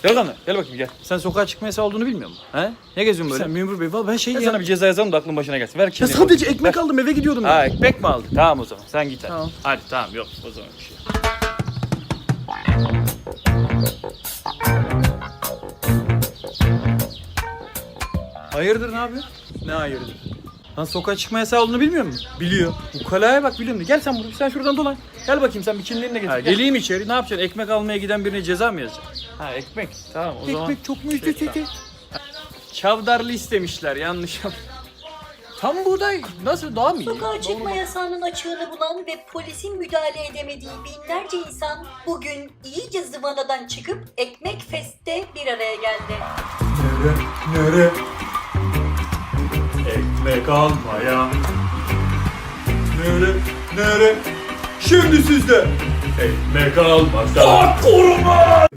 Delikanlı gel bakayım gel. Sen sokağa çıkma yasağı olduğunu bilmiyor musun? He? Ne geziyorsun böyle? Sen memur bey valla ben şey Ben sana bir ceza yazalım da aklın başına gelsin. Ver Ya kimliğini. sadece ekmek aldım eve gidiyordum ya. Ha ekmek mi aldın? Tamam o zaman sen git hadi. Tamam. Hadi tamam yok o zaman bir şey. Hayırdır ne yapıyorsun? Ne hayırdır? Lan sokağa çıkma yasağı olduğunu bilmiyor musun? Biliyor. Ukalaya bak biliyorum. Gel sen buraya. Sen şuradan dolan. Gel bakayım sen bir kimliğini getir. Ha, Gel. geleyim içeri ne yapacaksın? Ekmek almaya giden birine ceza mı yazacaksın? Ha ekmek tamam o zaman. Ekmek çok mu Şey, üstü? Çavdarlı istemişler yanlış. Tam buğday nasıl daha mı iyi? Sokağa çıkma yasağının açığını bulan ve polisin müdahale edemediği binlerce insan bugün iyice zıvanadan çıkıp Ekmek Fest'te bir araya geldi. Nere? Ekmek almaya. Nere? Şimdi sizde. Ekmek almasa.